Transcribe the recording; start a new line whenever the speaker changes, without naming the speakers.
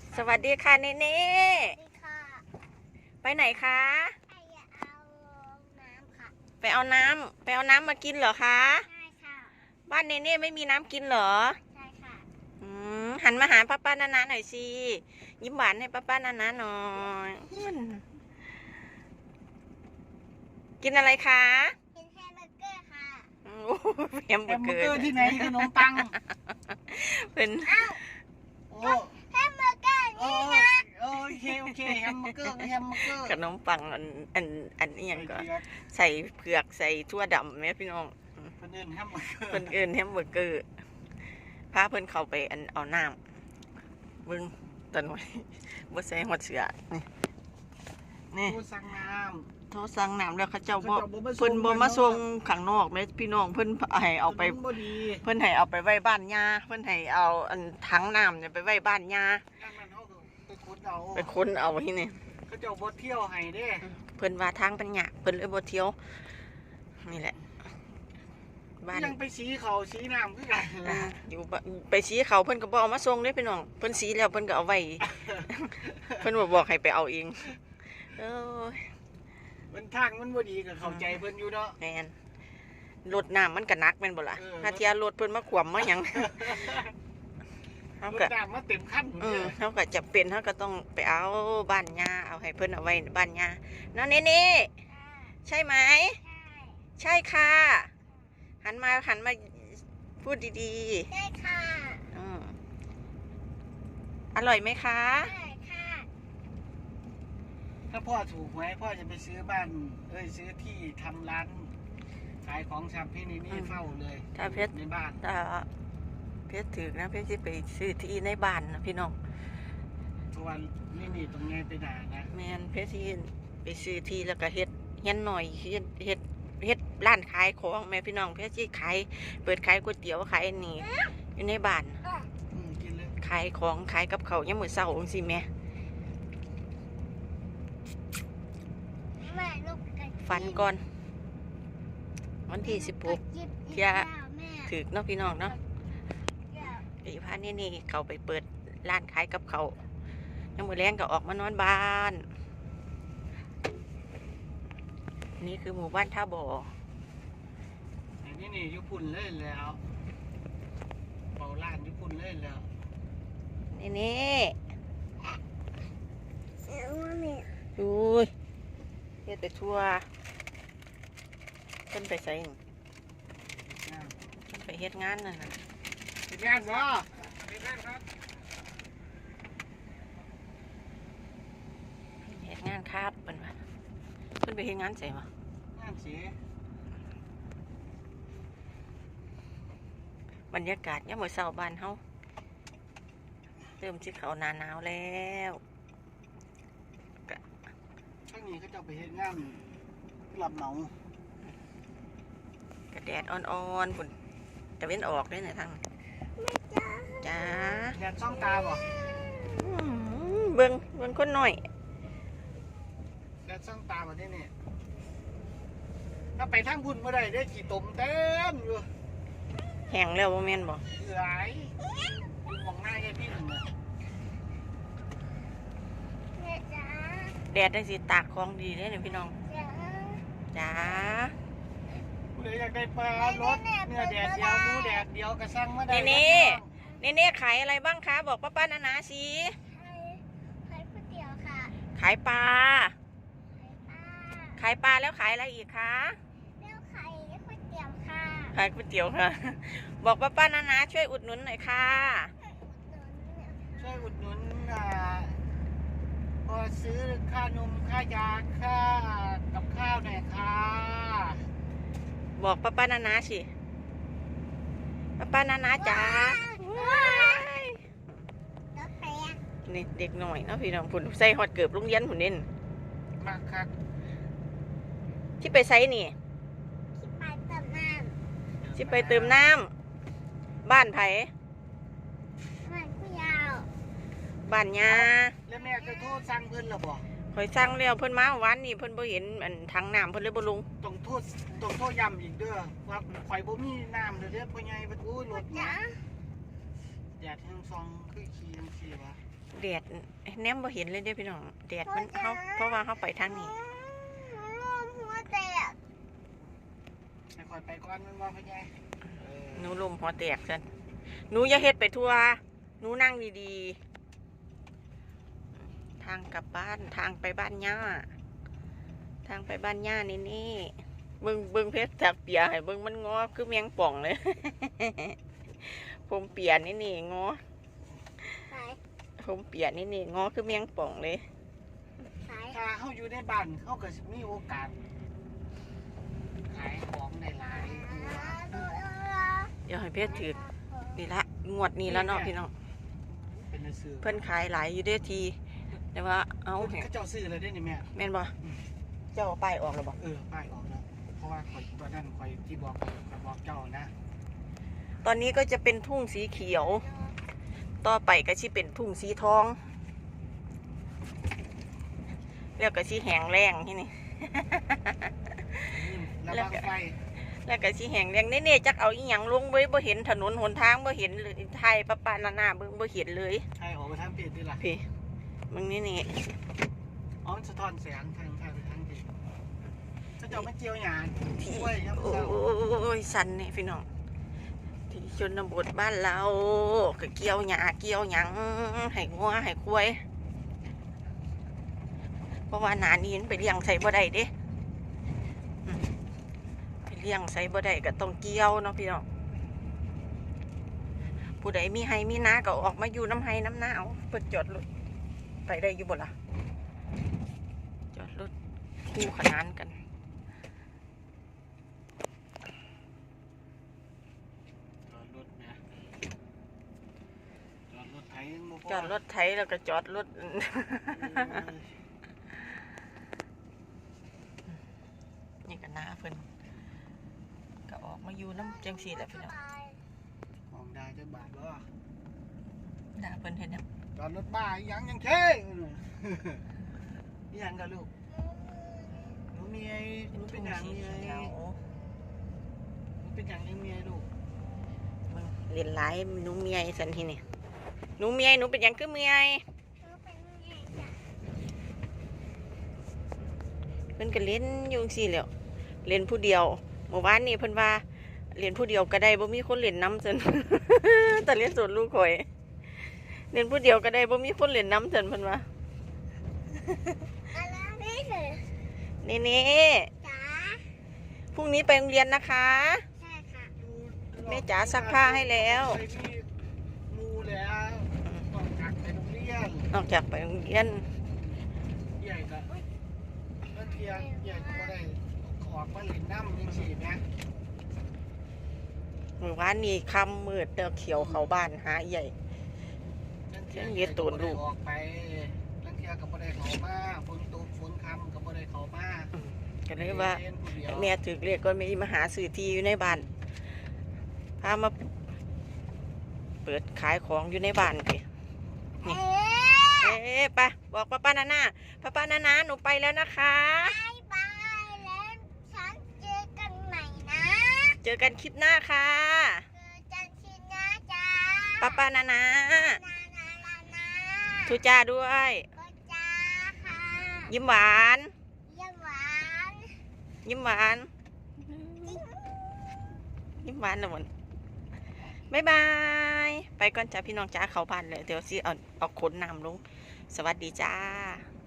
สวัสดีค่ะเนเน่
สวัสดีค่ะ
ไปไหนคะ
ไปเอาน้ำค่ะ
ไปเอาน้ำมากินเหรอคะ
ใช่ค่ะ
บ้านเนเน่ไม่มีน้ำกินเหรอ
ใช่ค่ะ
หันมาหาป้านานาหน่อยสิยิ้มหวานให้ป้านานาหน่อยกินอะไรคะ
กินแฮมเบอร์เกอร์ค่ะ
โอ้แฮมเบ
แฮ
อร์เกอ
มเบอร์เกอ
ร์
ร์ที่ไหนขนมปัง
เป็น
อ้าว
โอ้
แฮมเบอร์เกอร์
โอ้
นี่นะ
โอเคแฮมเบอร์เกอร์
ขนมปังอันนี้ยังก็ใส่เผือกใส่ทั่วดำไหมพี่น้อง
เพิ่นเอิ้นแฮมเบอร์เกอร์
เพิ่นเอิ้นแฮมเบอร์เกอร์พาเพิ่นเข้าไปเอาน้ำเบิ่งตอนไว้บ่ใส่หัวเสือนี่
ผู้สั่งน้
โทรสั่งน้ำแล้วเขาเจ้าบ่
เขาเจ้าบ่มาส่ง
เพิ่นบ่มาส่งข้างนอกแม่พี่น้องเพิ่นให้
ำ
เอาไป
ถนนบ่ดี
เพิ่นให้เอาไปไว้บ้านย่าเพิ่นให้เอาถังน้ำเนี่ยไปไว้บ้านย่า
นั่นมันเฮาก็ไปขุดเอา
ไปค้นเอาที่นี่
เขาเจ้าบ่เที่ยวให้เด้
เพิ่นว่าทางเป็นหยากเพิ่นเลยบ่เที่ยวนี่แหละบ้าน
ยังไปสีเขาสีน้ำคือกัน
อยู่บ้านไปสีเขาเพิ่นก็บ่เอามาส่งเด้พี่น้องเพิ่นสีแล้วเพิ่นก็เอาไว้ เพิ่นบ่บอกให้ไปเอาเองเอ้ย
มันทางมันบ่ดีก็เข้าใจเพิ่นอยู่เนาะ
แม่นรถน้ำมันก็หนักแม่นบ่ล่ะ
เออ
ถ้าเทียรถเพิ่นมาขวมมาหยังเฮาร ก็
ถน้ำมาเต็มคัน
เฮาก็จะเป็นเฮาก็ต้องไปเอาบ้านย่าเอาให้เพิ่นเอาไว้บ้านย่านั่นนี่ใช่ไหม
ใช่
ใช่ค่ะหันมาพูดดี
ใช่ค่ะ
อร่อยไหมคะ
ใช่ค่ะ
ถ้าพ่อถูกหวยพ่อจะไปซื้อบ้านซื้อที่ทำร้านขายของชำพี่นี่เฝ้าเลย
ถ้าเพชร
ในบ้าน
ถ้าเพชรถึกนะเพชรจะไปซื้อที่ในบ้านนะพี่น้อง
ส่วนนี่ตรงไงไปด่านะ
แมนเพชรที่ไปซื้อที่แล้วก็เฮ็ดเฮ็ดหน่อยเฮ็ดร้านขายของแม่พี่น้องเพชรที่เปิดขายก๋วยเตี๋ยวขายนี่อยู่ในบ้าน
กินเลย
ขายของขายกับเขาวยังมื้อเช้าจังซี่แม่
แม่ลูกกระจิบ
ฟันก่อน วันที่16
กระจิบ
เที่ย
แม่
ถึกเนาะพี่น้องเนาะ
เดี๋ยว
ไอ้พานี่เขาไปเปิดร้านขายกับเขาวยังมื้อแรงก็ออกมานอนบ้าน นี่คือหมู่บ้านท่าบ่อ
อันนี้ญี่ปุ่นเลยแล้วเป่าล้านญี่ปุ่นเลยแล้ว
นี่
เอาแม่
ดูยเฮ็ดไปทั่วเพิ่นไปใส่หนิเพิ่นไปเฮ็ดงานนั่นน่ะ
เป็นงานบ่เป็นงานครับ
เฮ็ดงานครับเพิ่นว่าเพิ่นไปเฮ็ดงานใส่บ่
งานสี
บรรยากาศยามมื้อเช้าบ้านเฮาเริ่มสิเข้าหน้าหนาวแล้ว
ช่างนี้เขาจะไปเฮ็ดงานรับเหมาก
ระแดดอ่อนๆพุ่นตะเว้นออกเด้น่ะทางจ้า
แดดซ่องตาบ่
เบิ่งคนน้อย
แดดซ่องตาบ่ได้เนี่ยถ้าไปทางพุ่นบ่ได้ได้ขี่ตมเต็มอยู่
แห้งแล้วบ่แม่นบ่
หลายอยู่มองหน้าแค่พี่หนึ่งน่ะ
แม่จ๋า
แดดได้สิตากของดีเด้นี่พี่น้อง
จ๋า
จ้า
ผู้ใดอยากได้ปลารสเนื้อแดดเดียวหมูแดดเดียวก็สั่งมาได้
นี่ขายอะไรบ้างคะบอกป้านานาสิ
ให้ก๋วยเตี๋ยวค่ะ
ขายปลา
ให้ป้า
ขายปลาแล้วขายอะไรอีกคะ
เลี้ยวไข่ก๋วยเตี๋ยวค่ะ
ขายก๋วยเตี๋ยวค่ะ บอกป้านานาช่วยอุดหนุนหน่อยค่ะ
ช่วยอุดหนุนพอซื้อค่านมค่ายาค่ากับข้าวหน่อยค่ะ
บอกป้านานาสิป้านานาจ๋าว้าย
รถแตก
นี่เด็กหน่อยเนาะพี่น้องผุนใส่ฮอดเกือบโรงเรียนผุนเด่น
มากครับ
ที่ไปใส่นี่
ที่ไปเติมน้
ที่ไปเติมน้ำบ้านไผ
ำมันผู้ยาว
บ้านยา
แล้วแม่จะโทษสั่งเพิ่นหรอบ่
คอยสั่งแล้วเพิ่นมาวันนี้เพิ่นบ่เห็นถังน้ำเพิ่นเลยบ่ลง
ต้องโทษย้ำอีกเด้อว่าข่อยบ่มีน้ำเด้อพ่อใหญ่บ่อู้รถ
จ๋า
แดดแห้งซองคือขี้จังซี่วะ
แดดแนมบ่เห็นเลยเด้อพี่น้องแดดมันเขาเพราะว่าเขาไปทางนี้
ร่วมหัวแตก
ให้คอยไปก่อนมันว่าพ่อใหญ่เออ
หนูลมหัวแตกซันหนูอย่าเฮ็ดไปทั่วหนูนั่งดีๆทางกลับบ้านทางไปบ้านย่าทางไปบ้านย่านี่เบิ่งเพชรจากเปียให้เบิ่งมันงอคือแมงป่องเลย ผมเปียนี่งอ
สาย
ผมเปียนี่งอคือแมงป่องเลย
สาย
ถ้าเขาอยู่ในบ้านเขาก็สิมีโอกาสขายของได้หลายตัว
เดี๋ยวให้เพชรถือนี่ละงวดนี้แล้วเนาะพี่น้อง
เป็นหนังสือ
เพิ่นขายหลายอยู่เด้อที แต่ว่าเอาแห
เขาเจ้าซื้อเลยได้นี่แม่
แม่นบ่เจ้าเอาป้ายออกแล้วบ่
ป้ายออกแล้วเพราะว่าคอยวันนั้นคอยที่บอกเจ้านะ
ตอนนี้ก็จะเป็นทุ่งสีเขียว ต่อไปก็สิเป็นทุ่งสีทอง แล้วก็สิแห้งแล้งที่นี่
ระวังไฟ
แล้วก็สิแห้งแล้งเน่ๆจักเอาอีหยังลงไว้บ่เห็นถนนหนทางบ่เห็นเลยไทยปะปะนาๆเบิ่งบ่เห็นเลย
ใช่ออกไปทางเปลี่ยนดีล่ะ
พี่มึงนี่
อ๋อสะท้อนแสงทางดีถ้าเจ้าไม่เจียวหยา
ที่
ช่วยยับ
โอ
เศร้า
้ยสันนี่พี่น้องที่ชนบทบ้านเราก็เกี่ยวหญ้าเกี่ยวหยังให้งัวให้ควายเพราะว่าหนานี้มันไปเลี้ยงใส่บ่ได้เด้อืมไปเลี้ยงใส่บ่ได้ก็ต้องเกี่ยวเนาะพี่น้องผู้ใดมีให้มีนาก็ออกมาอยู่น้ำให้น้ำหน้าเอาเปิดจอดรถไปได้อยู่บ่ล่ะจอดรถคู่ขนานกัน
จอดรถนะจอดรถไถยังบ่พ
จอดรถไถแล้วก็จอดรถ นี่ก็น้าเพิ่นก็ออกมาอยู่น้ำจังสีแหละพี่น้อง
มองได้จะบาทบ่
น้าเพิ่นเห็นยัง
จอดรถบ้าอีหยังเท่อีหยังกับลูกหนูมีไอ้หนูเป็นหยังมีไอ้
เขียว
หนูเป็นหยังยังมีไอ้ลูก
มึงเรียนหลายหนูเมียสันทีนี่หนูเมียหนูเป็นหยังคือเมียเพิ่นก็เล่นอยู่จังซี่แหล้วเล่นผู้เดียวเมื่อวานนี้เพิ่นว่าเล่นผู้เดียวก็ได้บ่มีคนเล่นน้ำซั่น แต่เล่นสวนลูกข่อยเล่นผู้เดียวก็ได้บ่มีคนเล่นน้ำซั่นเพิ่นว่า
อะไรนี่คือ
นี่
จ๋า
พรุ่งนี้ไปโรงเรียนนะคะ
ใช่ค่ะ
แม่จ๋าซักผ้าให้แล้ว
ไปที่มูแล้วต้องจักไปโรงเรียน
นอกจากไปโรงเรียน
ใหญ่ก็เมื่อเทียนใหญ่ก็ได้ขอมาเล่นน้ำยังสี่นะ
เมื่อวานนี้ค่ำมืดเด้อเขียวเขาบ้านหาใหญ่ เทียนเย็ดตูนลูก
ออกไปลังเทียก็บ่ได้เข้ามาฝนตกฝนค่ำก็บ่ได้เข้ามา
ก็เลยว่า
เรียนผู้เดียว
แม่ถือเรียกก็ไม่มาหาซื้อที่อยู่ในบ้านพามาเปิดขายของอยู่ในบ้านพี่
เอ๊
เอ๊ะไปบอกป้านานาป้านานาหนูไปแล้วนะคะ
บายแล้วฉันเจอกันใหม่นะ
เจอกันคลิปหน้าค่ะ
เจอกันทีนะจ๊ะ
ป้านานา
นานา
ทุจ้าด้วย
ก็จ้าค่ะ
ยิ้มหวาน
เยี่ยมหวาน
ยิ้มหวาน ยิ้มหวานนะมันบ๊ายบาย ไปก่อนจ้าพี่น้องจ้าเขาบ้านเลยเดี๋ยวสิเอาขนน้ำลง สวัสดีจ้า